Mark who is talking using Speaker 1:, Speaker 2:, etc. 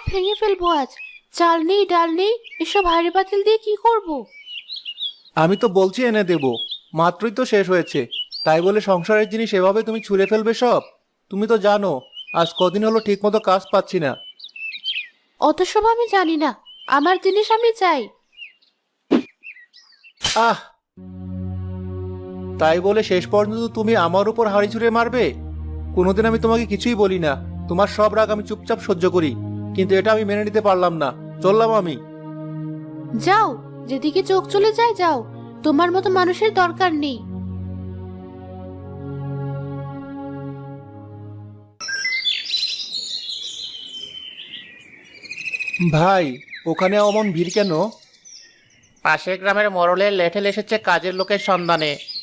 Speaker 1: ভেঙে ফেলবো আজ। চাল নেই, ডাল নেই, এসব হাঁড়ি পাতিল দিয়ে কি করব?
Speaker 2: আমি তো বলছি এনে দেব, মাত্রই তো শেষ হয়েছে। তাই বলে সংসারের জিনিস এভাবে তুমি ছুঁড়ে ফেলবে সব? তুমি তো জানো আজ কদিন হলো ঠিক মতো কাজ পাচ্ছি না।
Speaker 1: অত সব আমি জানি না, আমার জিনিস আমি চাই।
Speaker 2: আহ, তাই বলে শেষ পর্যন্ত তুমি আমার উপর হাঁড়ি ছুঁড়ে মারবে? কোনোদিন আমি তোমাকে কিছুই বলি না, তোমার সব রাগ আমি চুপচাপ সহ্য করি, কিন্তু এটা আমি মেনে নিতে পারলাম না। চললাম আমি।
Speaker 1: যাও, যেদিকে চোখ চলে যায় যাও, তোমার মতো মানুষের দরকার নেই।
Speaker 2: ভাই, ওখানে অমন ভিড় কেন?
Speaker 3: পাশের গ্রামের মোড়লের লেঠেল এসেছে কাজের লোকের সন্ধানে।